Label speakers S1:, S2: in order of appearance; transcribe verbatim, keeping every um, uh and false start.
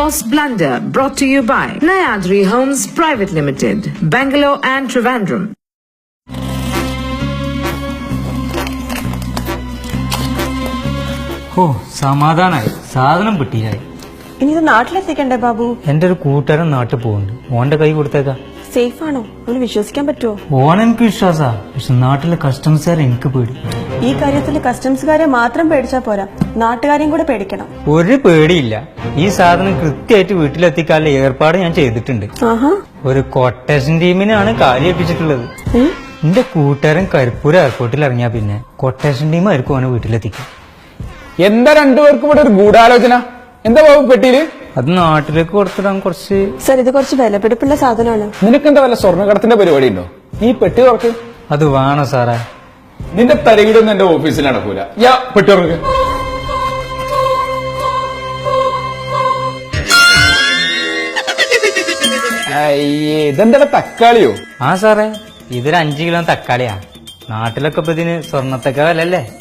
S1: Boss Blunder brought to you by Nayadri Homes Private Limited, Bangalore and Trivandrum.
S2: ഓ സമാധാനായി, സാധനം കിട്ടിയായി.
S3: ഇനി ഇത് നാട്ടിലെത്തിക്കണ്ടേ ബാബു?
S2: എന്റെ ഒരു കൂട്ടുകാരൻ നാട്ടിൽ പോകുന്നുണ്ട്, ഓന്റെ കൈ കൊടുത്തേക്കാ.
S3: സേഫ് ആണോ? അവന് വിശ്വസിക്കാൻ പറ്റുമോ?
S2: ഓൻ എനിക്ക് വിശ്വാസാ, പക്ഷെ നാട്ടിലെ കസ്റ്റംസുകാരെ എനിക്ക് പേടി.
S3: ഈ കാര്യത്തിൽ കസ്റ്റംസുകാരെ മാത്രം പേടിച്ചാ പോരാ, നാട്ടുകാരെയും കൂടെ പേടിക്കണം.
S2: ഒരു പേടിയില്ല, ഈ സാധനം കൃത്യമായിട്ട് വീട്ടിലെത്തിക്കാനുള്ള ഏർപ്പാട് ഞാൻ ചെയ്തിട്ടുണ്ട്.
S3: ആഹാ,
S2: ഒരു കൊട്ടേഷൻ ടീമിനാണ് കാലിയേൽപ്പിച്ചിട്ടുള്ളത്. എന്റെ കൂട്ടുകാരൻ കരിപ്പൂർ എയർപോർട്ടിൽ ഇറങ്ങിയാ പിന്നെ കൊട്ടേഷൻ ടീം ആയിരിക്കും ഓനെ വീട്ടിലെത്തിക്കും.
S4: എന്താ രണ്ടുപേർക്കും ഇവിടെ ഒരു ഗൂഢാലോചന? എന്താ ബാബു പെട്ടിയില്?
S2: അത് നാട്ടിലേക്ക് കൊടുത്തിടാൻ കുറച്ച്.
S3: സർ, ഇത് കുറച്ച് വിലപിടിപ്പുള്ള സാധനമാണ്.
S4: നിനക്കെന്താ വല്ല സ്വർണ്ണക്കടത്തിന്റെ പരിപാടി ഉണ്ടോ? നീ പെട്ടി തുറക്ക്.
S2: അത് വേണോ സാറേ?
S4: നിന്റെ തരകിടൊന്നും എന്റെ ഓഫീസിൽ നടക്കൂല. യാ പെട്ടി തുറക്ക്. അയ്യേ, ഇതെന്താ തക്കാളിയോ?
S2: ആ സാറേ, ഇതൊരു അഞ്ചു കിലോ തക്കാളിയാ. നാട്ടിലൊക്കെ ഇപ്പൊ ഇതിന് സ്വർണ്ണത്തൊക്കെ വിലല്ലേ.